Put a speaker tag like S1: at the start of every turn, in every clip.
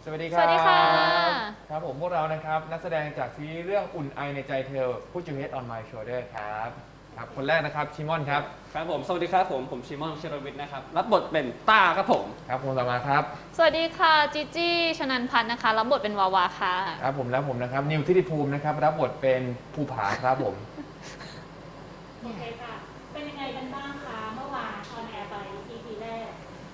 S1: สวัสดีค
S2: ส
S1: รับ
S2: วัสดีค่ะ
S1: ครับผมพวกเรานะครับนักแสดงจากซีรีส์เรื่องอุ่นไอในใจเธอ Put Your Head on My Shoulder ครับครับคนแรกนะครับชิมอนครับ
S3: ครับผมสวัสดีครับผมชิมอนเชรวิทย์นะครับรับบทเป็นต้าครับผม
S1: ครับคนต่อมาครับ
S2: สวัสดีค่ะจีจี้ชนันพัฒน์นะคะรับบทเป็นวาวาค่ะ
S1: ครับผมและผมนะครับนิวทิติภูมินะครับรับบทเป็นภูผาครับผม
S4: โอเคค่ะ เป็นยังไงกันบ้างคะเมื่อวานออนแอร์ไป EP แรก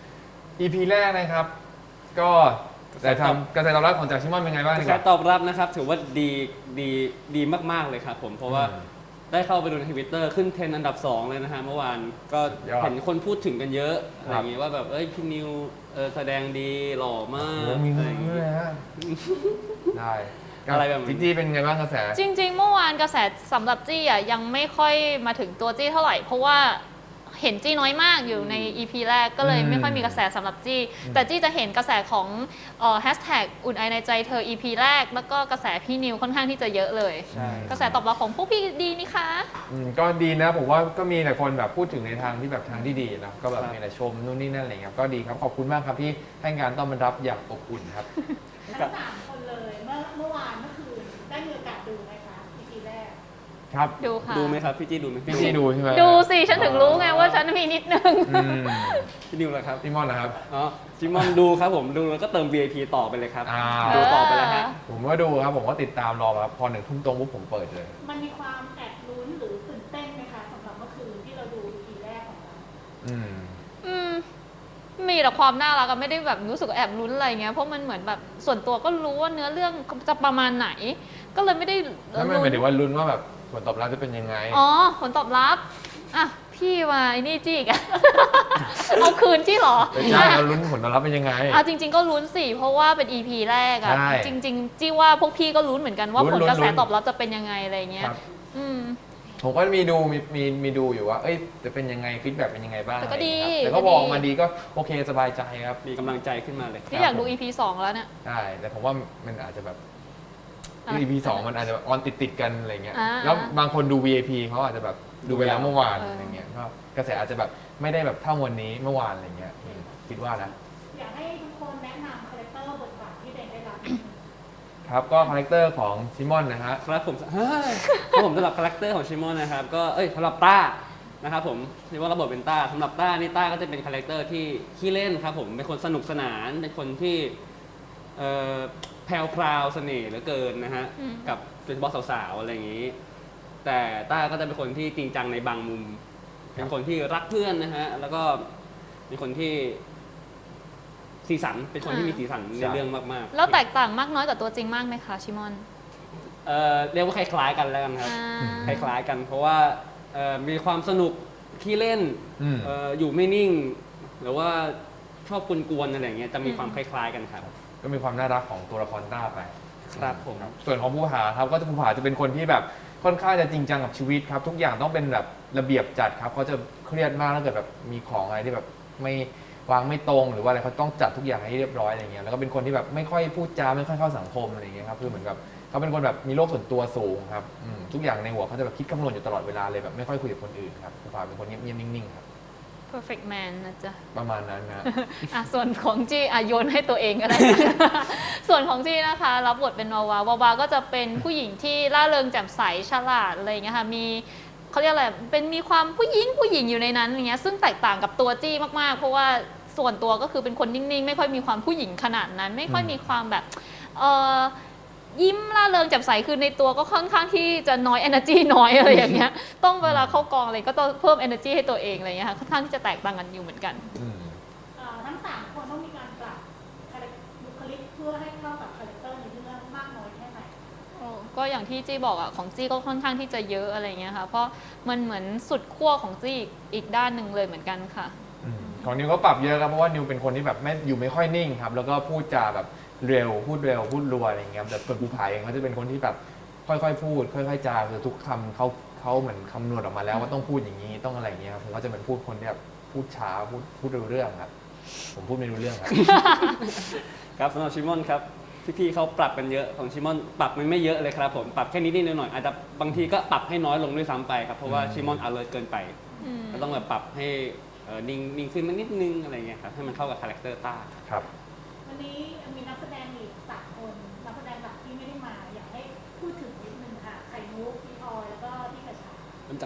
S1: EP แรกนะครับก็แต่ทำกระแสตอบรับของจากชิมอนเป็นไงบ้าง
S3: ก
S1: ดี
S3: ระ
S1: ก
S3: แส
S1: ว่า
S3: ตอบรับนะครับถือว่าดีมากๆเลยครับผมเพราะว่าได้เข้าไปดูในทวิตเตอร์ขึ้นเทรนด์อันดับ 2 เลยนะฮะเมื่อวานก็
S1: ยอด
S3: เห็นคนพูดถึงกันเยอะอะ
S1: ค
S3: ไร
S1: รับ
S3: อย่างงี้ว่าแบบพี่นิวแสดงดีหล่อมาก
S1: โอ้มี
S3: อะ
S1: เงิ
S3: ไร
S1: น
S3: อย่าง
S1: ด้
S3: งี้
S1: วยฮะได้
S3: อะไรแบบนี้
S1: จิ๊จี้เป็นไงบ้างกระแส
S2: จริงๆ เมื่อวานกระแสสำหรับจี้อ่ะยังไม่ค่อยมาถึงตัวจี้เท่าไหร่ เพราะว่าเห็นจี้น้อยมากอยู่ใน EP แรกก็เลยไม่ค่อยมีกระแสสำหรับจี้แต่จี้จะเห็นกระแสของแฮชแท็กอุ่นไอในใจเธอ EP แรกแล้วก็กระแสพี่นิวค่อนข้างที่จะเยอะเลย
S3: ใช่
S2: กระแสตอบรับของพวกพี่ดีนี่คะ
S1: ก็ดีนะผมว่าก็มีแต่คนแบบพูดถึงในทางที่แบบทางที่ดีนะก็แบบมีแต่ชมนู่นนี่นั่นอะไรเงี้ยก็ดีครับขอบคุณมากครับที่ให้การต้อนรับอย่างอบอุ่นครับ
S4: ทั้งสามคนเลย เมื่อวานเมื่อคืนได้มีโอกาสดูไหมคะ EP แรก
S1: ครับ
S2: ดูค่ะ
S3: ดูไหมครับพี่จี้ดูไหม
S1: พี่จี้ดูใช่ไหม
S2: ดูสิฉันถึงรู้ไงว่าฉันมีนิดนึง
S1: อืม
S3: พี่นิวเหรอครับ
S1: พี่มอนนะครับ
S3: อ๋อชิมอนดูครับผมดูแล้วก็เติม VIP ต่อไปเลยครับ
S1: อ้าว
S3: ดูต่อไปแล้วฮะ
S1: ผมก็ดูครับผมก็ติดตามรอครับพอ1 ทุ่มตรงปุ๊บผมเปิดเลย
S4: มันมีความแอบลุ้นหรือตื่นเต้นไหมคะสำหรับเมื่อคืนที่เราดู EP แรกของเรา
S1: อืม
S2: อืมมีแต่ความน่ารักอะไม่ได้แบบรู้สึกแอบลุ้นอะไรเงี้ยเพราะมันเหมือนแบบส่วนตัวก็รู้ว่าเนื้อเรื่องจะประมาณไหน ก็เลยไม่ได้
S1: แล้วมันหมายถึงว่าลุ้นว่าแบบผลตอบรับจะเป็นยังไง
S2: อ๋อผลตอบรับอ่ะพี่มาไอ้นี่จี้อีกอะ เอาคืนจี้เหรอ
S1: ไม่ใช่เราลุ้นผลตอบรับเป็นยังไง
S2: อ่ะจริง ๆ ก็ลุ้นสิเพราะว่าเป็น EP แรกอะ
S1: ใช่
S2: จริง ๆ จี้ว่าพวกพี่ก็ลุ้นเหมือนกันว่า
S1: ลุ้น
S2: ผลกระแส
S1: ลุ้น
S2: ตอบรับจะเป็นยังไงอะไรเงี้ย
S1: ครับ
S2: อืม
S1: ผมก็มีดูมีดูอยู่ว่า เอ้ยจะเป็นยังไงฟีดแบ็กเป็นยังไงบ้าง
S2: แต่ก็ดี
S1: อะไรอย่างเงี้ยครับแต่ก็บอกมาดีก็โอเคสบายใจครับ
S3: มีกำลังใจขึ้นมาเลย
S2: ที่อยากดู EP 2 แล้วเนี่ย
S1: ใช่แต่ผมว่ามันอาจจะแบบ
S2: อ่ะ
S1: EP 2มันอาจจะออนติดกันอะไรเงี้ย
S2: อ่า
S1: แล้วบางคนดู VIP เขาอาจจะแบบดูไปแล้วเมื่อวาน
S2: เอออ
S1: อะไรเงี้ยก็กระแสอาจจะแบบไม่ได้แบบเท่าวันนี้เมื่อวานอะไรเงี้ยคิดว่านะ
S4: อยากให้ทุกคนแนะนำคาแรคเตอร์บทบาทที่เด็กได้รับ
S1: ครับก็คาแรคเตอร์ของซิมอนนะฮะ
S3: ครับผมเฮ้ยครับผมสำหรับคาแรคเตอร์ของชิมอนนะครับก็สำหรับต้านะครับผมชิมอนรับบทเป็นต้าสำหรับต้านี่ต้าก็จะเป็นคาแรคเตอร์ที่ขี้เล่นครับผมเป็นคนสนุกสนานเป็นคนที่แพรวพราวเสน่ห์เหลือเกินนะฮะ
S2: อืม
S3: กับโดยเฉพาะสาวๆอะไรอย่างนี้ แต่ต้าก็จะเป็นคนที่จริงจังในบางมุม เป็นคนที่รักเพื่อนนะฮะแล้วก็เป็นคนที่สีสันเป็นคนที่มีสีสันในเรื่องมากๆ
S2: แล้วแตกต่างมากน้อยกับตัวจริงมากไหมคะชิมอน
S3: เรียกว่าคล้ายๆกันแล้วกันครับ ค
S2: อ่า
S3: ล้ายๆกัน เพราะว่ามีความสนุกขี้เล่น
S1: อืม
S3: อยู่ไม่นิ่ง หรือว่าชอบกวนๆอะไรอย่างเงี้ยจะมีความคล้ายๆกันครับ
S1: ก็มีความน่ารักของตัวละครต้าไป
S3: ครับผม
S1: ส่วนของภูผาครับก็จะภูผาจะเป็นคนที่แบบค่อนข้างจะจริงจังกับชีวิตครับ ทุกอย่างต้องเป็นแบบระเบียบจัดครับเขาจะเครียดมากถ้าเกิดแบบมีของอะไรที่แบบไม่วางไม่ตรงหรือว่าอะไรเขาต้องจัดทุกอย่างให้เรียบร้อยอะไรเงี้ยแล้วก็เป็นคนที่แบบไม่ค่อยพูดจาไม่ค่อยเข้าสังคมอะไรเงี้ยครับคือเหมือนกับเขาเป็นคนแบบมีโลกส่วนตัวสูงครับทุกอย่างในหัวเขาจะแบบคิดคำนวณอยู่ตลอดเวลาเลยแบบไม่ค่อยคุยกับคนอื่นครับภูผาเป็นคนเงียบๆนิ่งๆครับ
S2: perfect man นะจ๊ะ
S1: ประมาณนั้นนะ
S2: อ่ะส่วนของจีโยนให้ตัวเองก็ได้ ส่วนของจีนะคะ รับบทเป็นวาวาวาก็จะเป็นผู้หญิงที่ร่าเริงแจ่มใสฉลาดอะไรอย่างเงี้ยค่ะมีเขาเรียกอะไรเป็นมีความผู้หญิงอยู่ในนั้นอย่างเงี้ยซึ่งแตกต่างกับตัวจี้มากๆ เพราะว่าส่วนตัวก็คือเป็นคนนิ่งๆ ไม่ค่อยมีความผู้หญิงขนาดนั้น ไม่ค่อยมีความแบบยิ้มร่าเริงแจ่มใสคือในตัวก็ค่อนข้างที่จะน้อย energy น้อยอะไรอย่างเงี้ยต้องเวลาเข้ากองอะไรก็ต้องเพิ่ม energy ให้ตัวเองอะไรอย่างเงี้ยค่ะค่อนข้างที่จะแตกต่างกันอยู่เหมือนกัน
S4: ทั้งสามคนต้องมีการปรับบุคลิกเพื่อให้เข้ากับคาแรคเตอร์ในเรื่องมากน้อยแค่ไหน
S2: ก็อย่างที่จี้บอกอะของจี้ก็ค่อนข้างที่จะเยอะอะไรเงี้ยค่ะเพราะมันเหมือนสุดขั้วของจี้อีกด้านหนึ่งเลยเหมือนกันค่ะ
S1: ของนิวก็ปรับเยอะครับเพราะว่านิวเป็นคนที่แบบไม่ค่อยนิ่งครับแล้วก็พูดจาแบบเร็วพูดรัวอะไรอย่างเงี้ยแต่ส่วนภูผาเองเขาจะเป็นคนที่แบบค่อยๆพูดค่อยๆจาคือทุกคำเขาเหมือนคำนวณออกมาแล้วว่าต้องพูดอย่างนี้ต้องอะไรอย่างเงี้ยครับผมก็จะเป็นพูดคนที่แบบพูดช้าพูดรู้เรื่องครับผมพูดไม่รู้เรื่องครับ
S3: ครับสำหรับชิมอนครับพี่ๆเขาปรับกันเยอะของชิมอนปรับมันไม่เยอะเลยครับผมปรับแค่นิดๆหน่อยๆอาจจะบางทีก็ปรับให้น้อยลงด้วยซ้ำไปครับเพราะว่าชิมอน alert เกินไปก็ต้องแบบปรับให้นิ่งขึ้นมานิดนึงอะไรเงี้ยครับให้มันเข้ากับคาแรคเตอร์ต้า
S1: ครับ
S4: วันนี้มีนักแสดงอีก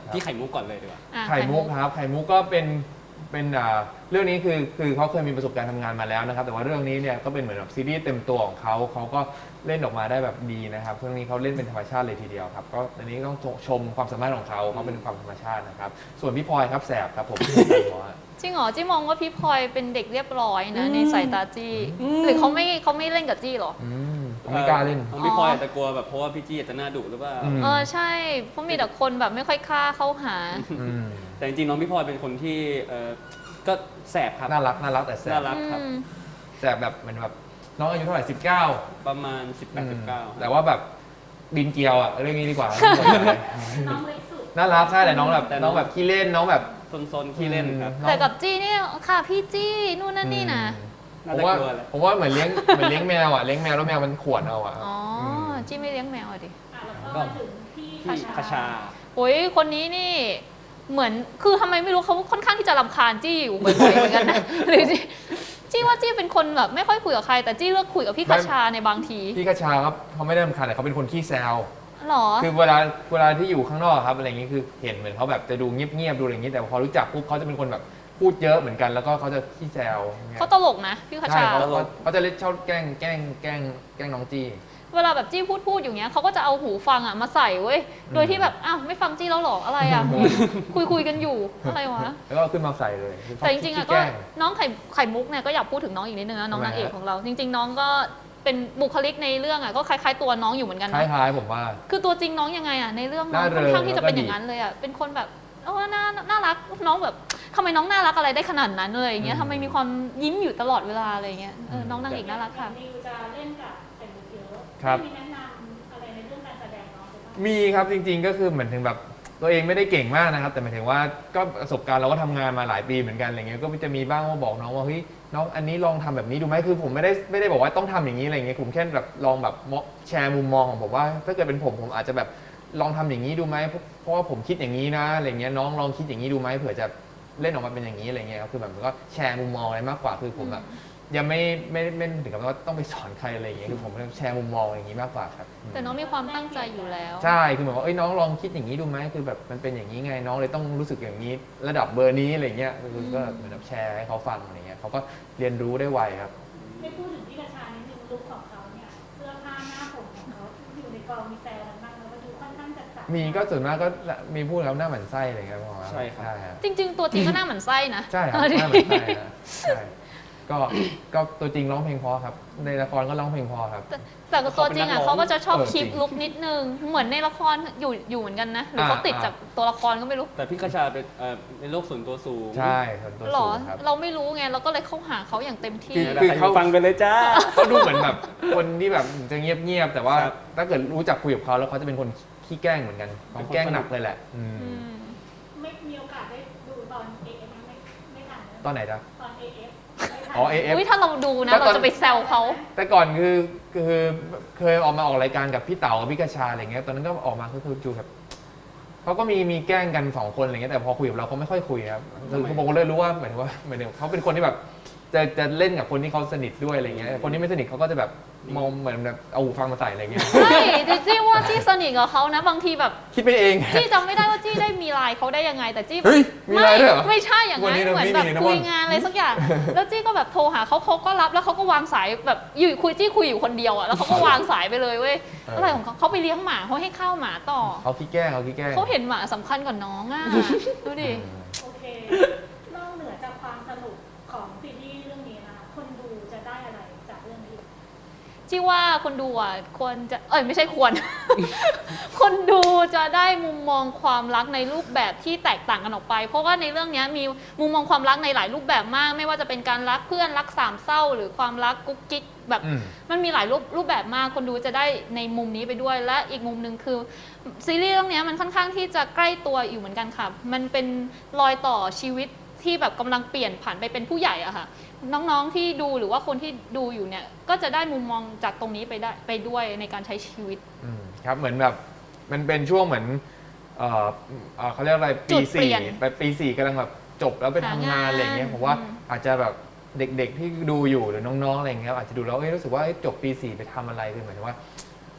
S3: พี่ไข่มุกก่อนเลยดีกว่า
S2: อ่ะ
S1: ไข่มุกครับไข่มุกก็เป็นเรื่องนี้คือเขาเคยมีประสบการณ์ทำงานมาแล้วนะครับแต่ว่าเรื่องนี้เนี่ยก็เป็นเหมือนแบบซีรีส์เต็มตัวของเขาก็เล่นออกมาได้แบบดีนะครับเรื่องนี้เขาเล่นเป็นธรรมชาติเลยทีเดียวครับก็อันนี้ต้องชมความสามารถของเขาเป็นความธรรมชาตินะครับส่วนพี่พลอยครับแสบครับผม
S2: จริงเหรอจี้มองว่าพี่พลอยเป็นเด็กเรียบร้อยนะในสายตาจี้หรือเขาไม่เล่นกับจี้เหรอ
S1: ผมไม่กล้าเล่น
S3: ของพี่พลอยอาจจะกลัวแบบเพราะว่าพี่จี้อาจจะหน้าดุหรือเปล่า
S1: ม
S2: ใช่เพราะมีแต่คนแบบไม่ค่อยกล้าเข้าหา
S1: อืม
S3: แต่จริงๆน้องพี่พลอยเป็นคนที่ก็แสบครับ
S1: น่ารักแต่แส
S3: น่า
S1: บ
S3: รักครับ
S1: แสบแบบเหมือนแบบน้องอายุเท่าไหร่19
S3: ประมาณ 18-19
S1: แต่ว่าแบบบินเกลียวอ่ะเรื่องนี้ดีกว่า
S4: น้องเล็กสุด
S1: น่ารักใช่แต่น้องแบบขี้เล่นน้องแบบ
S3: ซนๆขี้เล่นครับ
S2: แต่กับจี้เนี่ยค่ะพี่จี้นู่นนั่นนี่นะ
S3: น่า
S1: ผม
S3: จะ
S1: ว่าก
S3: ลัวแหละ
S1: ผมว่าเหมือนเลี้ยงแมวอ่ะเลี้ยงแมวแล้วแมวมันข่วนเอาอ่ะ
S2: อ๋อจี้ไม่เลี้ยงแมวอะดิ
S4: แล้วก็มาถึงพี่
S3: พี่คชา
S2: โอ้ยคนนี้นี่เหมือนคือทำไมไม่รู้เขาค่อนข้างที่จะรำคาญจี้อยู่บ่อยๆเหมือนกันนะ หรือจี้ว่าจี้เป็นคนแบบไม่ค่อยคุยกับใคร แต่จี้เลือกคุยกับพี่คชาในบางที
S1: พี่กระชาครับเขาไม่ได้รำคาญแต่เขาเป็นคนขี้แซว
S2: หรอ
S1: คือเวลาที่อยู่ข้างนอกครับอะไรอย่างงี้คือเห็นเหมือนเขาแบบจะดูเงียบๆดูอะไรอย่างงี้แต่พอรู้จักปุ๊บเขาจะเป็นคนแบบพูดเยอะเหมือนกันแล้วก็เขาจะขี้แซวอย่างเงี้ย
S2: เขาตลกนะพี่ค
S1: ใช่
S2: ชา
S1: เขาจะเล่นชอบแกล้งน้องจี้
S2: เวลาแบบจี้พูดอย่างเงี้ยเขาก็จะเอาหูฟังอ่ะมาใส่เว้ยโดยที่แบบอ้าวไม่ฟังจี้แล้วหรออะไรอ่ะคุยกันอยู่อะไรวะ
S1: แล้วก็ขึ้นมาใส่เลยคือเขา
S2: แต่จริงๆอ่ะ
S1: ขี้
S2: ก็
S1: แล้ง
S2: น้องไข่มุกเนี่ยก็อยากพูดถึงน้องอีกนิดนึงนะน้อง
S1: ทำไม
S2: นางเอก
S1: ฮะ
S2: ของเรา จริง ๆ น้องก็เป็นบุคลิกในเรื่องอ่ะก็คล้ายๆตัวน้องอยู่เหมือนกัน
S1: ค
S2: นะ
S1: ล้ายๆผมว่า
S2: คือตัวจริงน้องยังไงอ่ะในเรื่องน้อง
S1: น่า
S2: ค่อนข้าง
S1: เริง
S2: ที่จะ
S1: แล้วก็
S2: เป็นอย่างนั้นเลยอ่ะเป็นคนแบบน่ารักน้องแบบทำไมน้องน่ารักอะไรได้ขนาดนั้นเลยอย่างเงี้ยทำไมมีความยิ้มอยู่ตลอดเวลาอะไรเงี้ยน้องนางเอกน่ารักค่ะ
S4: นิวจะเล่นกับไข่มุกเยอะ
S1: ครับ
S4: มีแนะนำอะไรในเรื่องการแสดงน้องหรือเปล่า
S1: มีครับจริงๆก็คือเหมือนถึงแบบตัวเองไม่ได้เก่งมากนะครับ แต่หมายถึงว่าก็ประสบการณ์เราก็ทำงานมาหลายปีเหมือนกันอะไรเงี้ยก็จะมีบ้างว่าบอกน้องว่าเฮ้ยน้องอันนี้ลองทำแบบนี้ดูไหมคือผมไม่ได้บอกว่าต้องทำอย่างนี้อะไรเงี้ยผมแค่แบบลองแบบแชร์มุมมองของผมว่า ถ้าเกิดเป็นผมอาจจะแบบลองทำอย่างนี้ดูไหมเพราะว่าผมคิดอย่างนี้นะอะไรเงี้ยน้องลองคิดอย่างนี้ดูไหมเผื่อจะเล่นออกมาเป็นอย่างนี้อะไรเงี้ยครับคือแบบมันก็แชร์มุมมองอะไรมากกว่าคือผมแบบยังไม่ถึงกับว่าต้องไปสอนใครอะไรเงี้ยคือผมแชร์มุมมองอย่างนี้มากกว่าครับ
S2: แต่น้องมีความตั้งใจอยู่แล้ว
S1: ใช่คือเหมือนว่าเอ้ยน้องลองคิดอย่างนี้ดูไหมคือแบบมันเป็นอย่างนี้ไงน้องเลยต้องรู้สึกอย่างนี้ ระดับเบอร์นี้อะไรเงี้ยคือก็เหมือนแบบแชร์ให้เขาฟังอะไรเงี้ยเขาก็เรียนรู้ได้ไวครับ
S4: ไม่พูดถึงพี่กระชานิดนึงลุคของเขาเนี่ยเสื้อผ้าหน้าผมของเขาอยู่ในกองมีแซวกันบ้างแล้วก็ดูค่อนข้างจัดจ้าน
S1: มีก็ส่วนมากก็มีพูดแล้วหน้าหมันไส้อะไรเงี้ยประมาณ
S3: ใช่ครับ
S1: ใช่ครับ
S2: จริง ๆ ตัวจริงก็หน้าเหมือนไส้นะ
S1: ใช่ครับหน้าหมันไส้นะใช่ก็ตัวจริงร้องเพลงเพอครับในละครก็ร้องเพลงเพอครับ
S2: แต่กับตัวจริงอ่ะเขาก็จะชอบ
S1: เออ
S2: คลิป
S1: จริง
S2: ลุกนิดนึงเหมือนในละครอยู่เหมือนกันนะหรือเขาติดจากตัวละครก็ไม่รู้
S3: แต่พี่คชาเป็นในโลกส่วนตัวสูง
S1: ใช่ส่วนตัว
S2: หร
S1: สู
S2: อง
S1: ครับ
S2: เราไม่รู้ไงเราก็เลยเข้าหาเขาอย่างเต็มที่
S1: คือ
S3: คือเขาฟังไปเลยจ้า
S1: เขาดูเหมือนแบบคนที่แบบจะเงียบๆแต่ว่า
S3: ครับ
S1: ถ้าเกิดรู้จักคุยกับเขาแล้วเขาจะเป็นคนขี้แกล้งเหมือนกันเขาแกล้งหนักเลยแหละอืม
S2: อืม
S4: ไม่มีโอกาสได้ดูตอน AF ไม่ทันนะ
S1: ตอนไหนจ๊ะ
S4: ตอน AF ไม่ทัน
S1: อ๋อ AF
S2: อุ้ยถ้าเราดูนะ
S1: ก็ตอน
S2: เราจะไปแซวเขา
S1: แต่ก่อนคือเคยออกมาออกรายการกับพี่เต๋ากับพี่กระชาอะไรเงี้ยตอนนั้นก็ออกมาคือจูแบบเขาก็มีแกล้งกันสองคนอะไรเงี้ยแต่พอคุยกับเราเขาไม่ค่อยคุยครับคือผมก็เลยรู้ว่าเหมือนเขาเป็นคนที่แบบจะเล่นกับคนที่เขาสนิทด้วยอะไรเงี้ยคนที่ไม่สนิทเขาก็จะแบบมองเหมือนแบบเอาหูฟังมาใส่อะไรเงี้ย
S2: ใช่แต่จี้ว่าจี้สนิทกับเขานะบางทีแบบ
S1: คิดไปเอง
S2: จี้จำไม่ได้ว่าจี้ได้มีไลน์เขาได้ยังไง แต่จี้
S1: เฮ้ยมีไลน์ด้วยเหรอ
S2: ไม่ใช่อย่าง
S1: วัน
S2: นั้น
S1: นี้เรา
S2: เหมือน
S1: ไม่
S2: แบบ
S1: มีนะ
S2: คุย
S1: ม่อน
S2: งานอะไรสักอย่าง แล้วจี้ก็แบบโทรหาเขาก็รับแล้วเขาก็วางสายแบบอยู่จี้คุยอยู่คนเดียวอ่ะแล้วเขาก็วางสายไปเลยเว้ยอะไรของเขาไปเลี้ยงหมาเขาให้ข้าวหมาต่อ
S1: เขาขี้แกล้ง
S2: เขาเห็นหมาสำคัญกว่าน้องอ่ะดูดิ
S4: โอเค นอกเหนือจากความสนุกของซีรีส์เรื่องนี้นะคนดูจะได้อะไรจากเรื่องนี้
S2: จี้ว่าคนดูอ่ะควรจะไม่ใช่ควร คนดูจะได้มุมมองความรักในรูปแบบที่แตกต่างกันออกไป เพราะว่าในเรื่องนี้มีมุมมองความรักในหลายรูปแบบมาก ไม่ว่าจะเป็นการรักเพื่อนรักสามเศร้า หรือความรักกุ๊กกิ๊กแบบ
S1: อืม
S2: มันมีหลายรูปแบบมาก คนดูจะได้ในมุมนี้ไปด้วย และอีกมุมหนึ่งคือซีรีส์เรื่องนี้มันค่อนข้างที่จะใกล้ตัวอยู่เหมือนกันค่ะมันเป็นรอยต่อชีวิตที่แบบกำลังเปลี่ยนผ่านไปเป็นผู้ใหญ่อะค่ะ น้องๆที่ดูหรือว่าคนที่ดูอยู่เนี่ยก็จะได้มุมมองจากตรงนี้ไปด้วยในการใช้ชีวิต
S1: ครับเหมือนแบบมันเป็นช่วงเหมือนเขาเรียกอะไร
S2: จุ
S1: ปี
S2: ดเปลี่
S1: สี่
S2: ยน
S1: ไปปีสี่กำลังแบบจบแล้วไปทำงานอะไรเงี้ยผมว่าอาจจะแบบเด็กๆที่ดูอยู่หรือน้องๆอะไรเงี้ยอาจจะดูแล้วรู้สึกว่าจบปี 4ไปทำอะไรคือหมายถึงว่า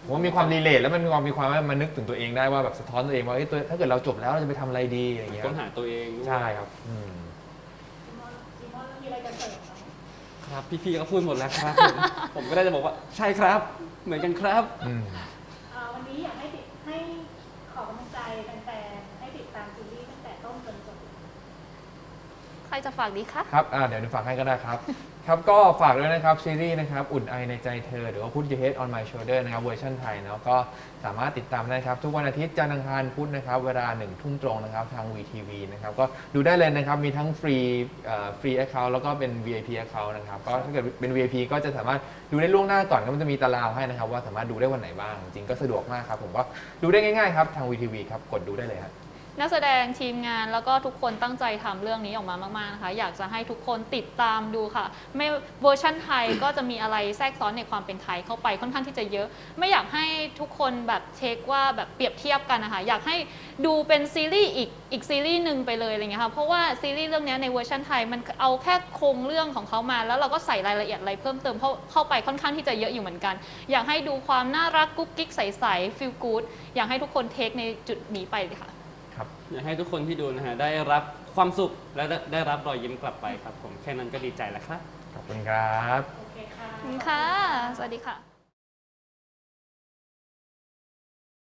S1: ผมว่ามีความรีเลทแล้วมันมีความว่ามันนึกถึงตัวเองได้ว่าแบบสะท้อนตัวเองว่าเอ้ยตัวถ้าเกิดเราจบแล้วเราจะไปทำอะไรดีอะไรอย่างเงี้ย
S3: ค้นหาตัวเองด้วย
S1: ใช่ครับ
S4: ซีมอนมีอะไรจะเสริมไหม
S3: ครับพี่ๆก็พูดหมดแล้วครับ ผมก็ได้จะบอกว่าใช่ครับ เหมือนกันครับ
S4: วันนี้อยากให้ขอกำลังใจแฟนๆให้ติดตามซีรีส์ตั้งแต่ต้นจนจบ
S2: ใครจะฝากดีคะ
S1: ครับเดี๋ยวหนูฝากให้ก็ได้ครับ ครับก็ฝากด้วยนะครับซีรีส์นะครับอุ่นไอในใจเธอหรือว่า Put Your Head on My Shoulder นะครับเวอร์ชันไทยเนาะก็สามารถติดตามได้ครับทุกวันอาทิตย์จันทร์อังคารพุธนะครับเวลา1 ทุ่มตรงนะครับทาง VTV นะครับก็ดูได้เลยนะครับมีทั้งฟรีaccount แล้วก็เป็น VIP account นะครับก็ถ้าเกิดเป็น VIP ก็จะสามารถดูได้ล่วงหน้าก่อนก็มันจะมีตารางให้นะครับว่าสามารถดูได้วันไหนบ้างจริงก็สะดวกมากครับผมก็ดูได้ง่ายๆครับทาง VTV ครับกดดูได้เลยครับ
S2: นักแสดงทีมงานแล้วก็ทุกคนตั้งใจทำเรื่องนี้ออกมามากๆนะคะอยากจะให้ทุกคนติดตามดูค่ะไม่เวอร์ชั่นไทย ก็จะมีอะไรแทรกซ้อนในความเป็นไทยเข้าไปค่อนข้างที่จะเยอะ ไม่อยากให้ทุกคนแบบเช็คว่าแบบเปรียบเทียบกันนะคะอยากให้ดูเป็นซีรีส์อีกซีรีส์หนึ่งไปเลยอะไรเงี้ยค่ะเพราะว่าซีรีส์เรื่องนี้ในเวอร์ชันไทยมันเอาแค่โครงเรื่องของเขามาแล้วเราก็ใส่รายละเอียดอะไรเพิ่มเติมเข้าไปค่อนข้างที่จะเยอะอยู่เหมือนกัน อยากให้ดูความน่ารักกุ๊กกิ๊กใสๆฟีลกู๊ดอยากให้ทุกคนเทคในจุดนี้ไปเลยค่ะ
S3: อยากให้ทุกคนที่ดูนะฮะได้รับความสุขและได้รับรอยยิ้มกลับไปครับผมแค่นั้นก็ดีใจแล้วครับ
S1: ขอบคุณครับ
S4: โอเคค่ะ
S2: ขอบคุณค่ะ สวัสดีค่ะ